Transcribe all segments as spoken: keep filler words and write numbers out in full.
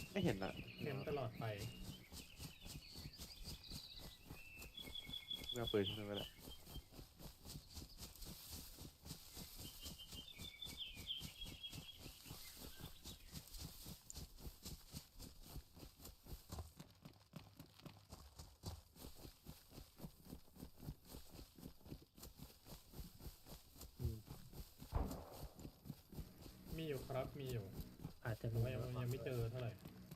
ไม่เห็นอ่ะเห็นตลอดไปไม่เอาปืนขึ้นมาแล้วอืมมีอยู่ครับมีอยู่อาจจะแต่ว่ายังยังไม่เจอเท่าไหร่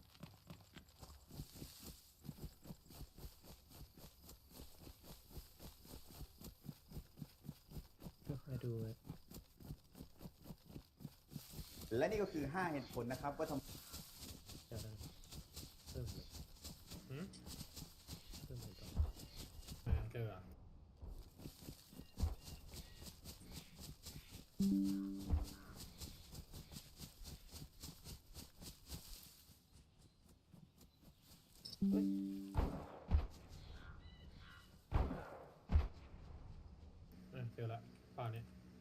ก็คอยดูไว้และนี่ก็คือห้าเหตุผลนะครับว่าทำจะได้เพิ่มเลยหืมเพิ่มเลยต่ออ่าเจออ่ะเฮ้ยอ่ะเจอละป่านี้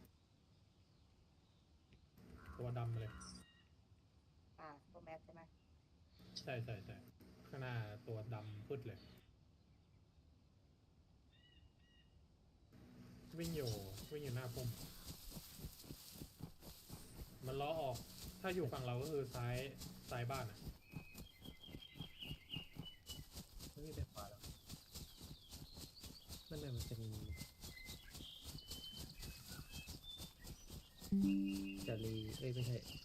ตัวดำมาเลยอ่าตัวแมสใช่ไหมใช่ใช่ใช่ข้างหน้าตัวดำพึดเลย วิ่งอยู่วิ่งอยู่หน้าพุ่มมันล้อออก ถ้าอยู่ฝั่งเราก็คือซ้ายซ้ายบ้านอ่ะไม่มีแต่ขวาหรอกนั่นแหละมันเป็นจารีเอ้ยไม่ใช่